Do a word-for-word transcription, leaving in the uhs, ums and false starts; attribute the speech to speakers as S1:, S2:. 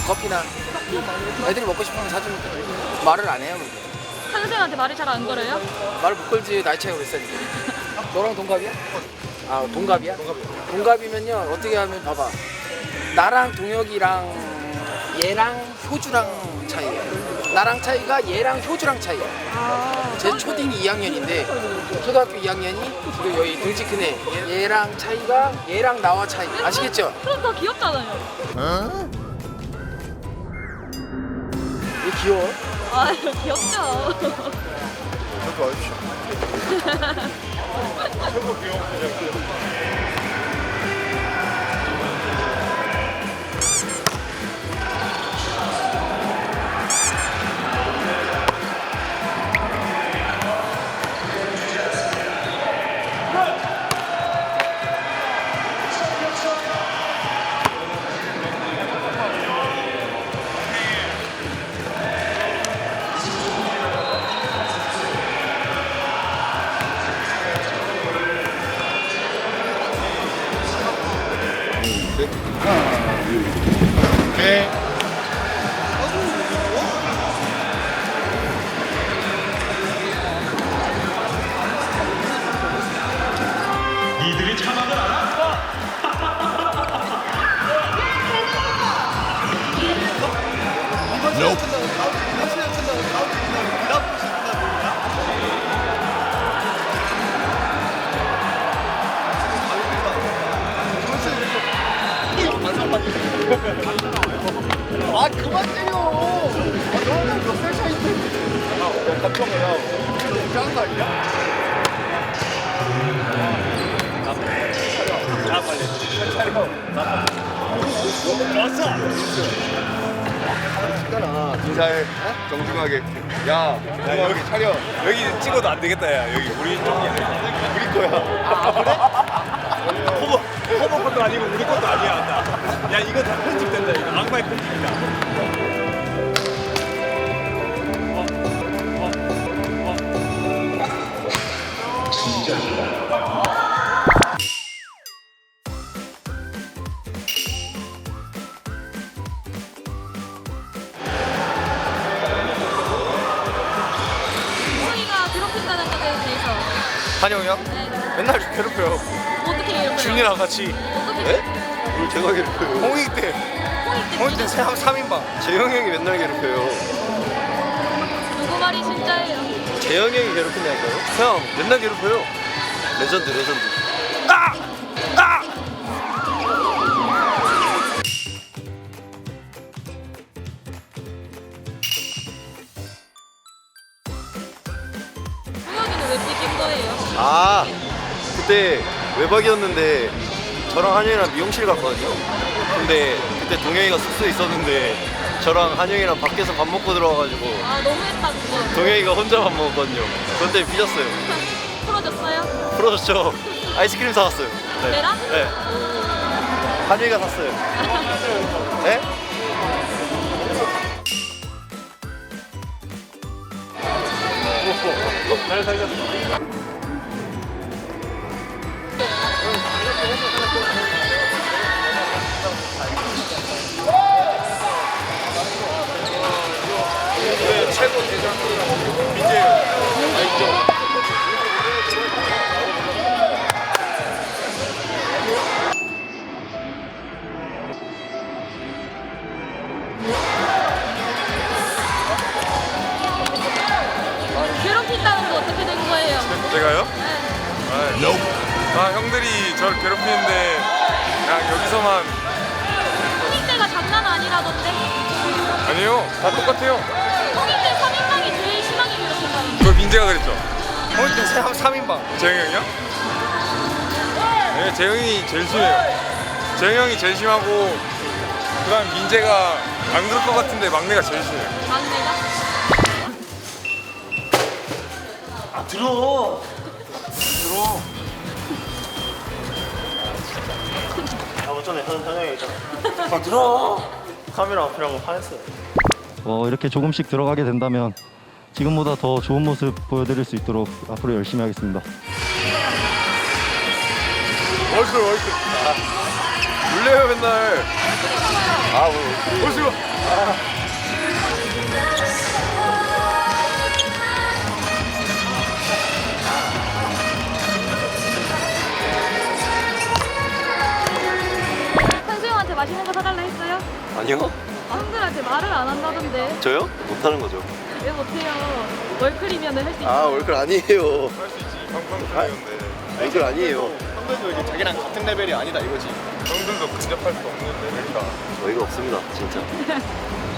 S1: 커피나 애들이 먹고 싶으면 사주면 돼. 말을 안 해요.
S2: 선생님한테 말을 잘 안 걸어요?
S1: 말을 못 걸지. 나이 차이가 몇 살인데. 너랑 동갑이야? 아 동갑이야? 동갑이면요 어떻게 하면 봐봐. 나랑 동혁이랑 얘랑 효주랑 차이야. 나랑 차이가 얘랑 효주랑 차이야.
S2: 아,
S1: 제 초딩이 이 학년인데 초등학교 이 학년이 그리고 여기 등치 큰 애. 얘랑 차이가 얘랑 나와 차이. 아시겠죠?
S2: 그럼 더 귀엽잖아요.
S1: 얘 귀여워.
S2: 아, 귀엽죠.
S3: 저도 와주십시오. 최고 귀여운 분이었고요. 네.
S4: 니들이 자막을 알아?
S3: 아 그만 때려. 아 너는 몇 살 차이인데? 야 깜짝이야. 이렇게 하는 거 아니야?
S4: 자 빨리
S3: 차려.
S4: 왔어.
S3: 찍잖아. 인사해. 정중하게. 야, 야 여기 차려.
S4: 여기 찍어도 안 되겠다 야 여기 우리 쪽이 아니야
S3: 우리 거야.
S4: 아 그래? 호버 호버 것도 아니고 우리 것도 아니야 나. 야 이거 다 편집된다 이거 악마의 편집이다.
S2: 호이가 괴롭힌다는 것에 대해서
S4: 한영이요?
S2: 네.
S4: 맨날 괴롭혀요.
S2: 어떻게 괴롭혀요?
S4: 준이랑 같이
S2: 어떻게?
S3: 네? 우리 제가 괴롭혀요.
S4: 홍익 때
S2: 호이 때
S4: 홍익 때 삼 인방.
S3: 재영이 형이 맨날 괴롭혀요.
S2: 누구 말이 진짜예요?
S3: 재영이 형이 괴롭힌다니까요? 형 맨날 괴롭혀요. 레전드 레전드.
S4: 아! 아!
S2: 동혁이는 왜 삐진 거예요?
S3: 아 그때 외박이었는데 저랑 한영이랑 미용실 갔거든요. 근데 그때 동영이가 숙소에 있었는데 저랑 한영이랑 밖에서 밥 먹고 들어와가지고
S2: 아, 너무했다 그거.
S3: 동영이가 혼자 밥 먹었거든요. 그것 때문에 삐졌어요.
S2: 풀어줬어요?
S3: 풀어줬죠. 아이스크림 사왔어요. 네.
S2: 걔랑?
S3: 네. 한영이가 샀어요. 네?
S4: 잘 살렸어.
S3: 네, 최고 대장 민재예요. 알죠?
S2: 괴롭힌다는 거 어떻게 된 거예요?
S5: 제가요?
S2: 네.
S5: 아, 아 형들이 저를 괴롭히는데 그냥 여기서만
S2: 홍익 때가 장난 아니라던데.
S5: 아니에요. 다 똑같아요.
S2: 홍익 때 삼 인방이 제일 심하게 괴롭힌다는
S5: 그걸 민재가 그랬죠.
S4: 홍익 때 삼 인방.
S5: 재영이 형이요? 네, 재영이 제일 심해요. 재영이 형이 제일 심하고 그다음 민재가 안 그럴 것 같은데 막내가 제일 심해요.
S2: 막내가?
S4: 아 들어.
S5: 들어.
S4: 아 어쩌네 현 현영이 있잖아. 아 들어. 카메라 앞이라고 화냈어요.
S6: 어, 이렇게 조금씩 들어가게 된다면 지금보다 더 좋은 모습 보여드릴 수 있도록 앞으로 열심히 하겠습니다.
S5: 월클 월클. 아, 놀래요 맨날.
S3: 아, 뭐.
S5: 보시고.
S2: 현수 형한테 맛있는 거 사달라 했어요?
S3: 아니요?
S2: 아, 형들한테 말을 안 한다던데.
S3: 저요? 못하는 거죠.
S2: 왜 못해요? 월클이면 할 수 있어.
S3: 아, 월클 아니에요.
S5: 할 수 있지. 평평평이었는데.
S3: 월클 아니에요.
S4: 형들도 이제 자기랑 같은 레벨이 아니다 이거지.
S5: 형들도 근접할 수 없는 레벨이다.
S3: 어이가 없습니다, 진짜.